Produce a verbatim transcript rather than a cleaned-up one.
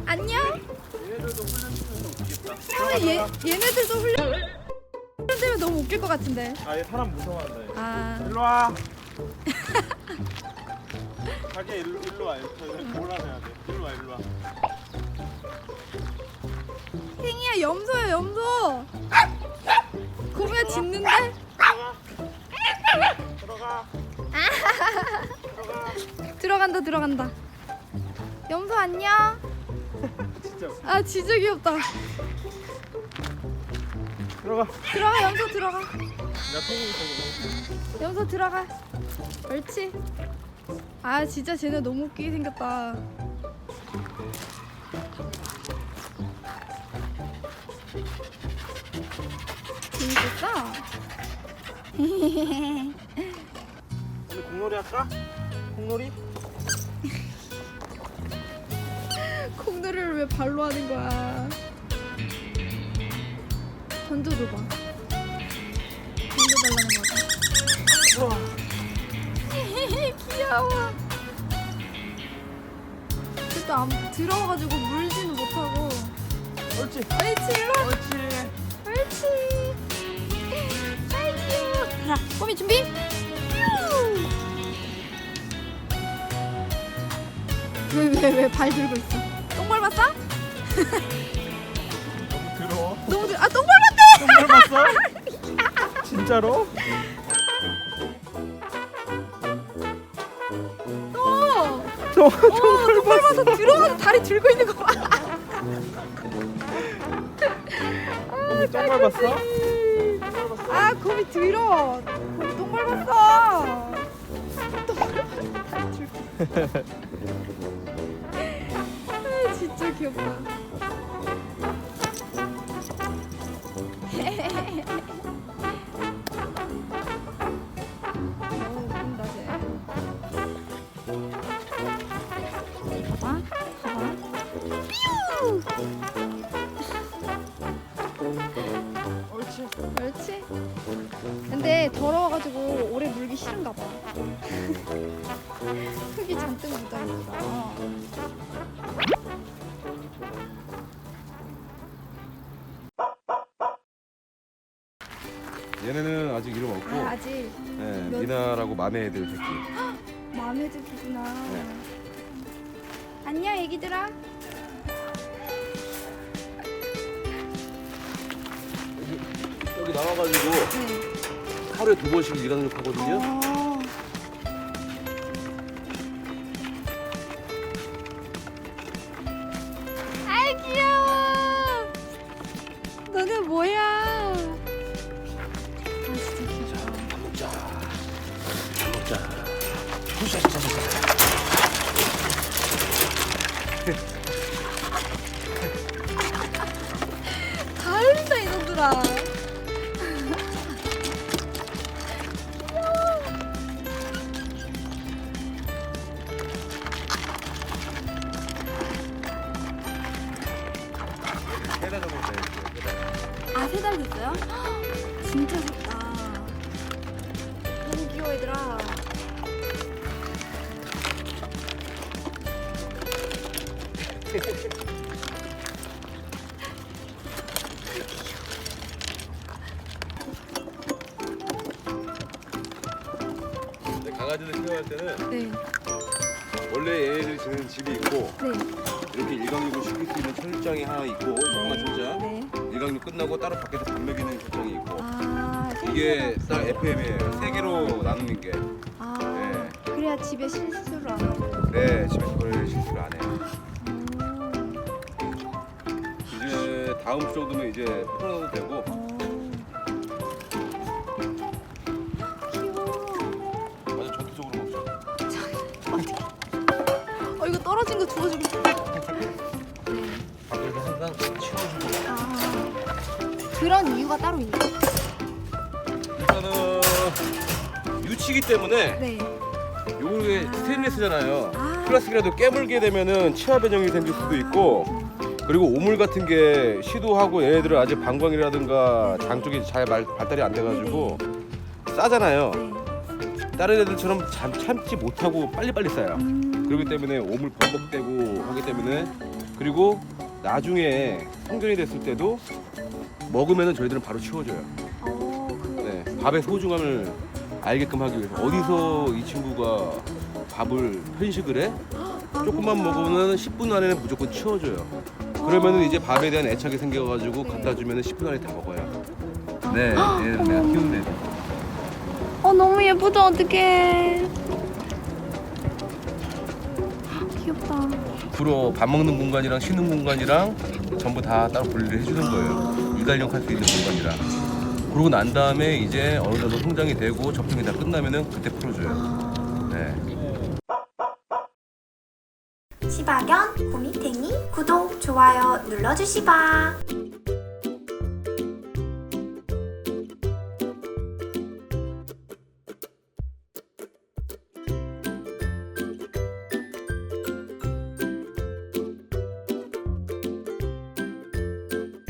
안녕. 얘네들도 훈련시켜서 웃기겠다. 아, 얘 얘네들도 훈련 훈련되면 너무 웃길 것 같은데. 아, 얘 사람 무서워한다. 얘. 아, 일로 와. 자기야 일로 일로 와. 이렇게 몰아내야 돼. 일로 와, 일로 와. 탱이야 염소야 염소. 곰이야 짖는데? 들어가. 들어가. 들어간다 들어간다. 염소 안녕. 진짜. 아 진짜 귀엽다. 들어가. 들어가 염소 들어가. 나 팽이 있어. 염소 들어가. 옳지. 아 진짜 쟤네 너무 웃기게 생겼다. 재밌었어? 오늘 공놀이 할까? 공놀이? 콩들을 왜 발로 하는 거야? 던져줘봐. 던져달라는 거지. 우와. 귀여워. 그래도 안 들어가가지고 물지는 못하고. 옳지. 옳지 일로 와. 옳지. 옳지. 아이 귀여워. 자, 꼬미 준비. 왜 왜 왜 발 들고 있어? 똥 밟았어? 너무 더러워. 너무 들... 아똥 밟았대. 똥 밟았어? 진짜로? 어. 똥, 어, 똥 밟아서 들어가서 다리 들고 있는 거 봐. 똥 밟았어? 아, 곰이 들어. 곰이 똥 밟았어. 똥 밟아서 다리 들고. 아, 진짜 귀엽다. 너무 웃긴다 쟤. 봐봐, 봐봐. 뾰우! 옳지. 그렇지. 근데 더러워가지고 오래 물기 싫은가 봐. 흙이 잔뜩 묻어있어. 얘네는 아직 이름 없고 아, 아직 네, 몇- 미나라고 맘에 애들 새끼. 마음에 들구나. 네. 안녕 애기들아. 여기 나와가지고 네. 하루에 두 번씩 일광욕 하거든요. 어. 아이 귀여워. 너네 뭐야? 아 진짜 귀엽다. 먹자. 먹자. 후샤샤샤샤. 다 흘린다 이놈들아. 해다 정도 돼. 아, 세 달 됐어요? 헉, 진짜 작다. 너무 귀여워, 얘들아. 근데 강아지들 키워할 때는 네, 원래 얘네들이 지내는 집이 있고 네, 이렇게 일광욕을 시킬 수 있는 철장이 하나 있고 조그만 철장. 네. 일광욕 끝나고 따로 밖에서 밥 먹이는 철장이 있고 아, 이게 딱 에프엠이에요. 세 개로 나누는 게. 아, 네. 그래야 집에 실수를 안 하고. 네, 집에서 그럴 실수를 안 해요. 음, 이제 다음 주 정도면 이제 풀어도 되고. 어. 귀여워. 완전 전투적으로 먹죠. 어, 이거 떨어진 거 주워주고 싶어. 밖에서 항상 치워주고. 아, 그런 이유가 따로 있나? 일단은 유치기 때문에 네. 요게 아. 스테인리스잖아요. 아. 플라스틱이라도 깨물게 되면은 치아 변형이 생길 수도 있고, 그리고 오물 같은 게 시도하고 얘네들은 아직 방광이라든가 장 쪽이 잘 발, 발달이 안 돼가지고 싸잖아요. 네. 다른 애들처럼 참, 참지 못하고 빨리빨리 싸요. 음. 그렇기 때문에 오물 범벅되고 하기 때문에 그리고 나중에 성견이 됐을 때도 먹으면은 저희들은 바로 치워줘요. 어, 그, 네, 밥의 소중함을 알게끔 하기 위해서 어디서 이 친구가 밥을 편식을 해? 조금만 먹으면 십 분 안에는 무조건 치워줘요. 그러면은 이제 밥에 대한 애착이 생겨가지고 갖다 주면은 십 분 안에 다 먹어요. 네, 얘는 내가 키우는 애들. 어, 너무 예쁘다. 어떡해. 귀엽다. 주로 밥 먹는 공간이랑 쉬는 공간이랑 전부 다 따로 분리를 해주는 거예요. 이갈용 할 수 있는 공간이라. 그러고 난 다음에 이제 어느 정도 성장이 되고 접종이 다 끝나면은 그때 풀어줘요. 네. 시바견, 호미탱이 구독, 좋아요 눌러주시바.